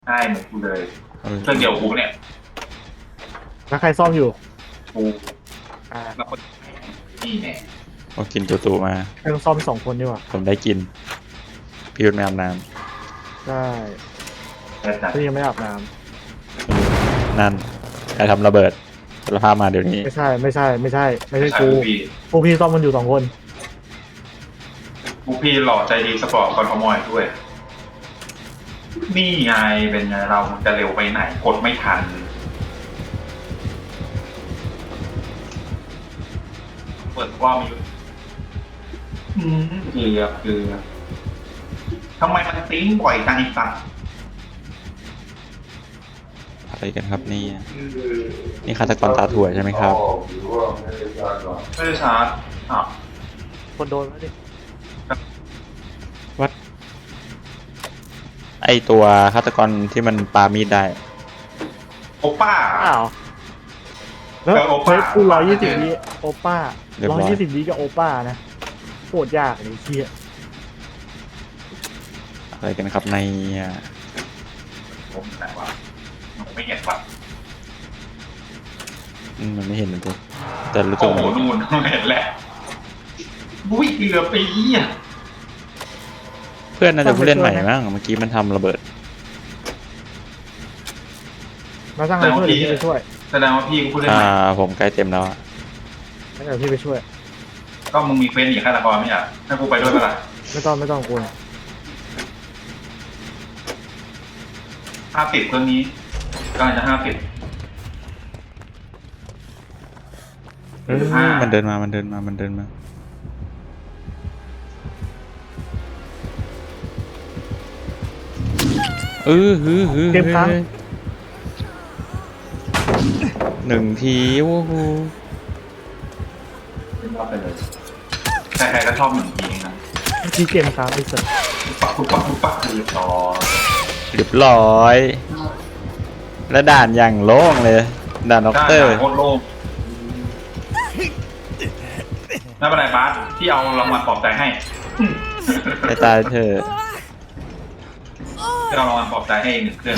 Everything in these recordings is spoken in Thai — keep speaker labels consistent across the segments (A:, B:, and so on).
A: ใช่เหมือนกูเลยเครื่องเดียวกูเนี่ย
B: แล้วใครซ่อมอยู่
A: กู
B: อ่า
A: แล้วคนนี่แน่
C: โอ้กินตูมา
B: เครื่องซ่อม2 คนดีกว่า
C: ผมได้กินพี่ยุทธไม่อาบน้
B: ใช่
A: แต่จัด
B: พี่ยังไม่อาบน้
C: ำนั่นใครทำระเบิดสารภาพมาเดี๋ยวนี้
B: ำไม่ใช่ไม่ใช่ไม่ใช่ไม่ใช่
A: ใช่
B: กู
A: พี่
B: พวกพี่ซ่อมมันอยู่2 คน
A: กูพี่หล่อใจดีสปอร์ตคอนโทรมอยด้วยนี่ไงเป็นไงเรามันจะเร็วไปไหนกดไม่ทันเปิดว่ามีเกือบทำไมมันติ้งบ่อยจังอีกสัตว์
C: อะไรกันครับนี่นี่ฆาตกรตาถั่วใช่ไหมครับ
A: ไม่ได้ชาร์จอ่ะ
B: คนโดนไหมดิ
C: วัดไอตัวฆาตกรที่มันปามีดได้
A: โอป้า
B: อ้าวแล้ว
A: โอ
B: เฟ
A: ป้า
B: ซกู120 วิโอป้า
C: เรียบร้อย
B: 120 วิกับโอป้านะโคตรยากเลยเชี่ย
C: อะไรกันครับใน
A: ผมแต่ว่าผมไม่เห็นว่ะ
C: มันไม่เห็นเลยตัวแต่รู้สึ
A: โอ้
C: ก
A: โห
C: มัน
A: นู่นเห็นแหละบุ้ยเกือบไปอ่ะ
C: เพื่อนน่าจะผู้เล่นใหม่มั้งเมื่อกี้มันทำระเบิด
B: มาสร้างอะไรช่วยเดี๋ยวพี่ไปช่วย
A: แสดงว่าพี่กูพูดได้ไหม
C: ผมใกล้เต็มแล้วอะ
B: เดี๋ยวพี่ไปช่วย
A: ก็มึงมีเฟซหนีฆาตกรไม่ใช่ให้กูไปด้วยเปล่า
B: ไม่ต้องกู
A: 50เครื่องนี้กำลังจะ50
C: มันเดินมา
B: เก็บครั้ง
C: 1 ทีโอ้โห
A: รอบไปเลยใครๆก็ชอบหนึ่งทีนะ
B: พี่เกมค้างไอ้สัส
A: ปุ๊บคือต่อ
C: เรียบร้อย และด่านอย่างโล่งเลย ด่านด็อก
A: ได้
C: เตอร์
A: โคตรโล่งไม่เป็นไรบาสที่เอารางวัลปลอบใจให้
C: ไปตายเธอะ
A: ที่เอารางวัลปลอบใจให้1 เครื่อง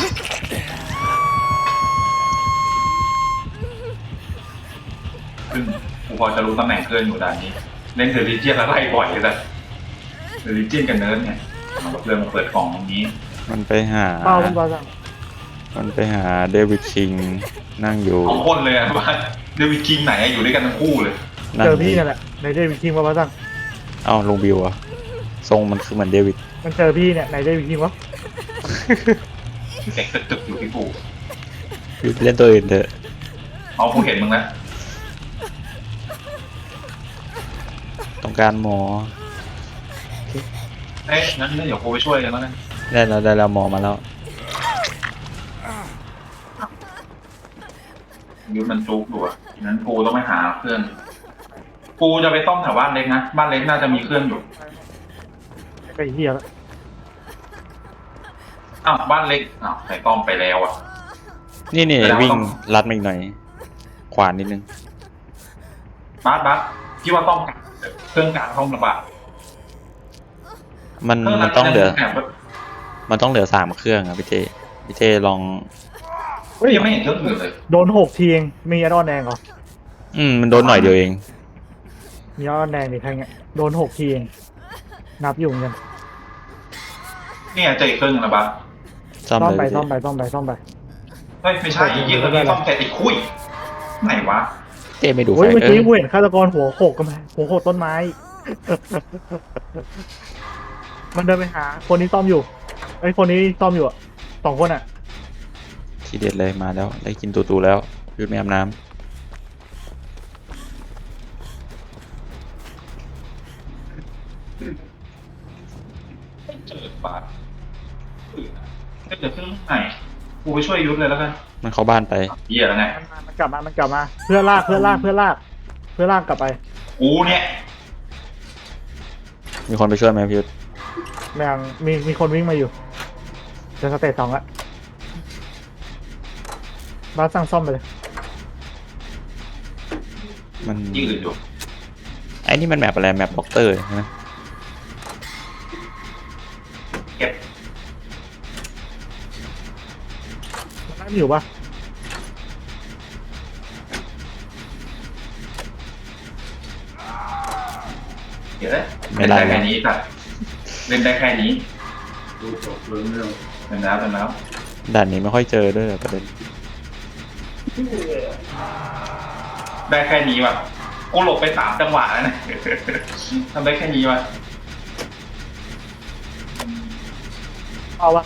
A: ซึ่งกูพอจะรู้ตำแหน่งเครื่องอยู่ด่านนี้เล่นเดลิเจียนแล้วไล่บ่อยเลยแต่เดลิเจียนกับเนิร์ดเนี่ยเอาเรื่องมาเปิดกล่องตรงนี้
C: มันไปหา
B: เป้าคุณบอลสั่ง
C: เดวิดคิงนั่งอยู่
A: 2 คนเลยอะบาสเดวิดคิงไหนอะอยู่ด้วยกันทั้งคู่เลย
B: เจอพี่นั่นแหละในเดวิดคิงมาบอลสั่ง
C: เอ้าลงบิวอะทรงมันคือเหมือนเดวิด
B: มันเจอพี่เนี่ยในเดวิดคิงวะ
A: เด็กตึกอยู่ที่กู
C: อยู่ไปเล่นตัวอื่นเถอะ
A: เอากูเห็นมึงแล้ว
C: ต้องการหมอ
A: เอ๊ะงั้นเดี๋ยวกูไปช่วยกันแล้วกัน
C: ได้แล้วหมอมาแล้ว
A: ยูมันจุกอยู่อะงั้นกูต้องไปหาเครื่อง กูจะไปต้อมแถวบ้านเล็กนะ บ้านเล็กน่าจะมีเครื่องอยู่
B: ไอ้เหี้ยแล้ว
A: อ้าวบ้านเล็ก อ้าวใส่ต้อมไปแล้วอ่ะ
C: นี่
A: แล้ว
C: วิ่ง
A: ต้อง
C: ลัดมาอีกหน่อย ขวานนิดนึง
A: บัสพี่ว่าต้อมกลางเครื่องกลางต้องระบาด
C: มัน
A: เครื่อง
C: มันต้องเหลือ
A: แอบ
C: มันต้องเหลือ3 เครื่องอะพี่เจลอง
A: เฮ้ยยังไม่เห็นเครื่องอื่นเลย
B: โดน6 ทีเองมีแอดออนแดงเหรอ
C: มันโดนหน่อยเดียวเอง
B: มีแอดออนแดงดิใครเงี้ยโดน6 ทีเองนับอยู่เหมือนกัน
A: นี่ไงเจออีกเครื่องนึงนะบัส
C: ซ่อม
B: ซ่อม
C: เลย
B: ไป
C: พี่
B: ซ่อมไปซ่อมไปซ่อมไป
A: เฮ้ยไม่ใช่อีกเครื่องนี้ต้อมแค่ติดคุยไหนวะ
C: เจไม่ดูไฟ
B: โอ้ยเมื่อ
C: เอ
B: กี้
C: อ
B: กูเห็นฆาตกรหัวโขกกันไหมหัวโขกต้นไม้ มันเดินไปหาคนนี้ซ่อมอยู่ไอ้คนนี้ซ่อมอยู่อะ2 คนอ่ะ
C: ทีเด็ดเลยมาแล้วได้กินตูแล้วยุดไม่อาบน้
A: ไม่เจอบัสเดี๋ยวเครื่องไหนกูไปช่วยยุทธเลยแล้วกัน
C: ำมันเข้าบ้านไป
A: เหี้ยแล้วไง
B: มันกลับมาเพื่อลากกลับไป
A: กูเนี่ย
C: มีคนไปช่วยไหมพี่ยุทธ
B: แม่งมีคนวิ่งมาอยู่จะสเตจ 2ละบาสสั่งซ่อมไปเลย
C: มัน
A: ที่อื่นอยู่
C: ไอ้นี่มันแมปอะไรแมปด็อกเตอร์ใช่ไหม
A: เก็บ
B: นั่นอยู่ปะ
A: เดี๋ยวเลยเล่นได้แค่นี้ครับเล่นได้แค่นี้ดูจบเรื่องเป็นแล้ว
C: ด่านนี้ไม่ค่อยเจอด้วยประเด็น
A: ได้แค่นี้ว่ะกูหลบไป3 จังหวะแล้วนะ ทำได้แค่นี้ว่ะ
B: เอาวะ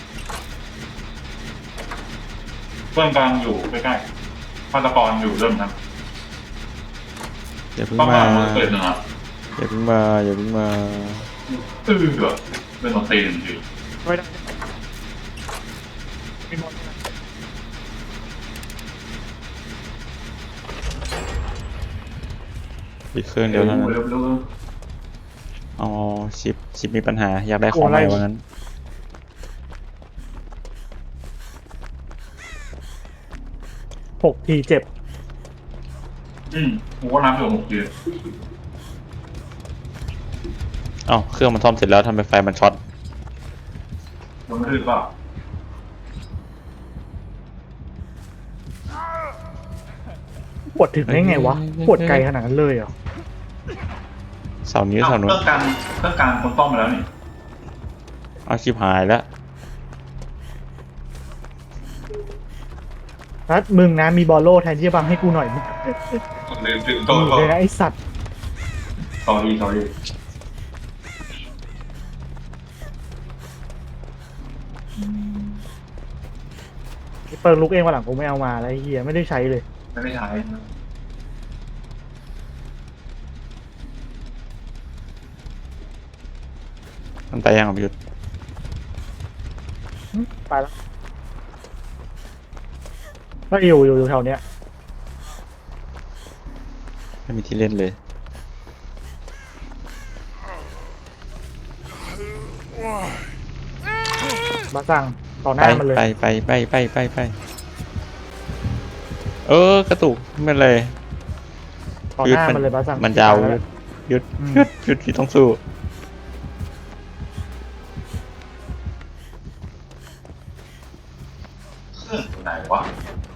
A: เพื่อนกำลังอยู่ใกล้ๆฆาตกรอยู่เริ่มนะ
C: อย่าเพิ่ง
A: ต้อง
C: มา
A: มามือเปิดหนึ่งอ่ะ
C: อย่าเพิ่งมาอย่าเพิ่งมา
A: เหรอเป็นของตีหนึ่งที
B: ไม่ได้ไม่หมดนะ
C: อีกเครื่องเดียวเท่านั้น
A: เร็ว
C: อ๋อชิปมีปัญหาอยากได้ของใหม่ว่างั้น
B: 6 ทีเจ็บ
A: กูก็นับอยู่6 ที
C: เอ้าเครื่องมันซ่อมเสร็จแล้วทำไมไฟมันช็อต
A: มันคือเปล่า
B: ปวดถึงได้ไงวะปวดไกลขนาดนั้นเลยเหรอ
C: เสานี้
A: เค
C: เสานู้น
A: รื่องกลางคนต้อมมาแล้วนี่
C: เอาชิบหายแล้ว
B: นัดมึงนะมีบอลโล่แทนที่จะบังให้กูหน่อยมึง
A: ลืมถึง
B: โอ้เลยนะไอสัตว์
A: สอรี่
B: เปิดลุกเองวันหลังกูไม่เอามาแล้วไอ้เฮียไม่ได้ใช้เลย
A: ไม่ใช่
C: มันไปยังอ่ะพี่ยุทธ
B: ไปแล้วก็อยู่แถวเนี้ย
C: ไม่มีที่เล่นเลย
B: มาสั่งต่อห
C: ไป
B: น้ามันเลย
C: ไปกระตุกไม่เป็นไร
B: ต่อหน้ามันเลยมาสั่ง
C: มันจะเอาหยุดพี่ต้องสู้
A: ไหนวะ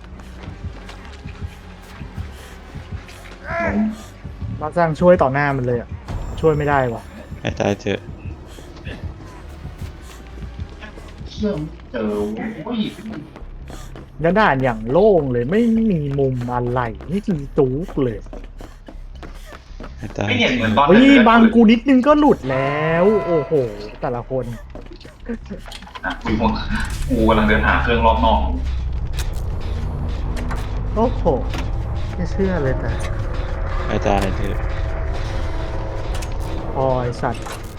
B: มาสั่งช่วยต่อหน้ามันเลยอ่ะช่วยไม่ได้วะ
C: ให้ตายเถอะ
A: เครื่องเจอโอ้ย
B: แล้วด่านอย่างโล่งเลยไม่มีมุมอะไรนี่คือจุ๊กเลย
C: ให้ตาย
A: ไม่เห็นเหมือนตอน
B: เฮ้ยบางกูนิดนึงก็หลุดแล้วโอ้โหแต่ละคน
A: กูกำลังเดินหาเครื่องรอบนอก
B: โอ้โหไม่เชื่อเลยแต่
C: ให้ตายเถอะ
B: พอไอสัตว์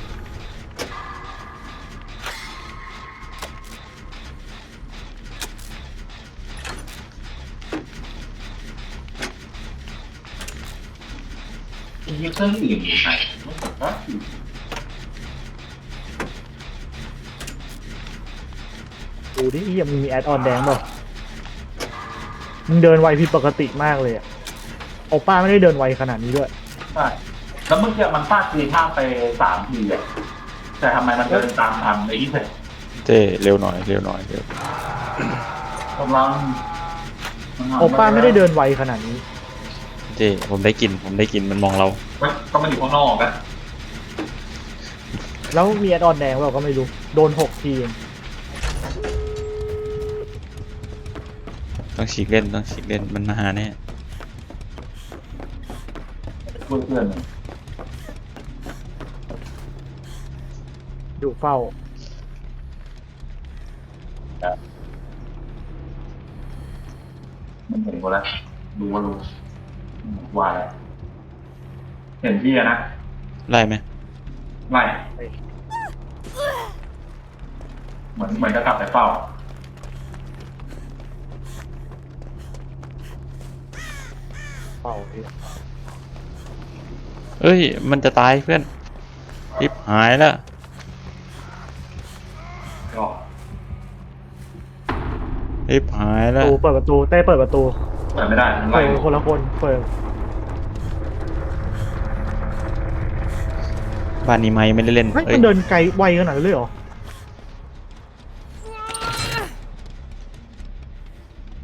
A: มีเครื่องอื่นอยู่ไหนไม่ผมว่า
B: ดูดิยังมีแอดออนแดงเปล่ามึงเดินไวผิดปกติมากเลยอะโอป้าไม่ได้เดินไวขนาดนี้ด้วย
A: ใช่แล้วเมื่อกี้มันฟาดทีท่าไป3 ทีอ่ะแต่ทำไมมันเดินตามทันไอ้ที่เสร็จ
C: เจ้เร็วหน่อยเร็ว
A: กำลัง
B: โอป้าไม่ได้เดินไวขนาดนี้
C: เจ้ผมได้กลินมันมองเรา
A: ก็มันอยู่ข้างนอกอะ
B: แล้วมีแอดออนแดงเราก็ไม่รู้โดน6 ทีเอง
C: ต้องฉีกเล่นมันมาหาแน่
A: ช่วยเพื่อน
B: อยู่เฝ้า
A: มันเห็นกูแล้วรู้ว่าแล้วเห็นพี่นะ
C: ไล่ไหม
A: ไม่เหมือนจะกลับไปเฝ้า
B: เฝ้าพี่
C: เอ้ยมันจะตายเพื่อนริบหายแล้ว
A: ก็
C: ริบหายแล้ว
B: เปิดประตูเต้เปิดประตู
A: เปิดไม่ได้มัน
B: เปิ
A: ไล่
B: ดคนละคนเปิด
C: บ้านนี้ไม่ได้เล่น
B: เฮ้ย
C: เอ้ย
B: มันเดินไกลไวขนาดนั้นเลยเหรอ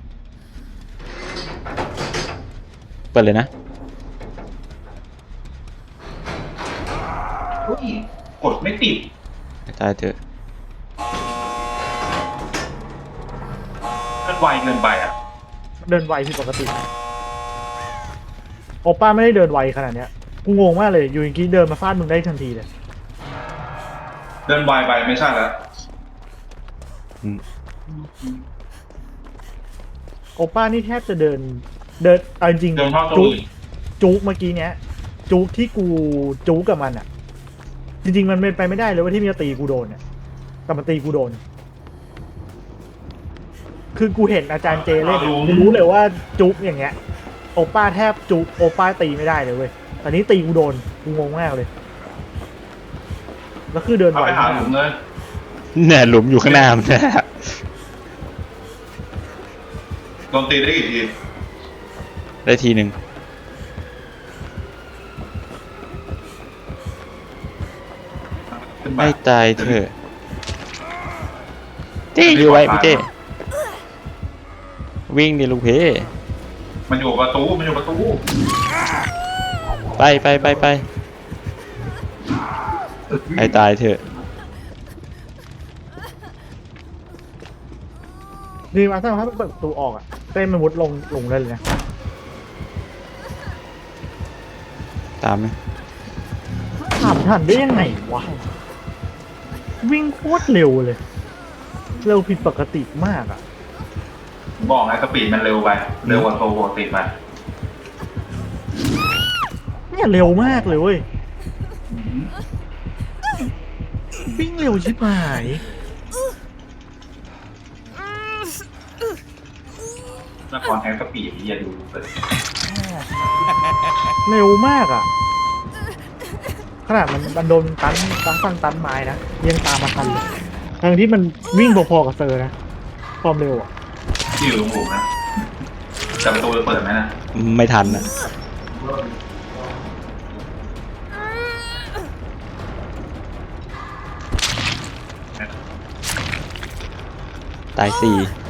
C: ปิดเลยนะ
A: เฮ้ยกดไม่ติด
C: ตายเถอะ
A: มันไวเกินไปอ่ะ
B: เดินไวผิดปกติโอป้าไม่ได้เดินไวขนาดเนี้ยกูงงมากเลยอยู่อย่างกี้เดินมาฟาดมึงได้ทันทีเลย
A: เดินไวไปไม่ใช่แล้ว
C: อืม
B: โอป้านี่แทบจะเดินเอาจริง
A: เดินเข้าตัว
B: จุก
A: อื่น
B: จุกเมื่อกี้เนี้ยจุกที่กูจุกกับมันอ่ะ จริงๆมันเป็นไปไม่ได้เลยว่าที่มันจะตีกูโดนเนี่ยแต่มันตีกูโดน คือกูเห็นอาจารย์เจเล่นกูรู้เลยว่าจุกอย่างเงี้ยโอป้าแทบจุกโอป้าตีไม่ได้เลยเว้ยแต่นี้ตีกูโดนกูงงมากเลยแล้วคือเดิน
A: เอา
B: ไว
A: ไปหาม
B: าก
A: หลุมเลย
C: เนี่ยหลุมอยู่ข้างหน้ามันนะ
A: โดนตีได้กี่ที
C: ได้ทีหนึ่ง
A: ขึ้นมา
C: ไม่ตายเถอะเจ้อยู่ไว้พี่เจ้วิ่งดิลูกเพ
A: มันอยู่ประตูมันอยู่ประตู
C: ไปให้ตายเถอะ
B: นี่มาถ้าเปิดประตูออกอ่ะเต้นมันมุดลงได้เลยนะ
C: ตามไหม
B: ถามทันได้ยังไงวะวิ่งโคตรเร็วเลยเร็วผิดปกติมากอ่ะ
A: บอกไงสปีดมันเร็วไปเร็วกว่าโตปกติไป
B: เนี่ยเร็วมากเลยเว้ยวิ่งเร็วชิบหาย
A: นครแฮงสปีดอย่าดูเลย
B: เร็วมากอ่ะขนาดมันโดนตันไม้นะยังตามมาทันเลยทั้งที่มันวิ่งพอๆกับเซอร์นะความเร็วอ่ะ
A: ที่อยู่ตรงหลุมนะแต่ประตูจะเปิดไหมนะ
C: ไม่ทันอ่ะตาย4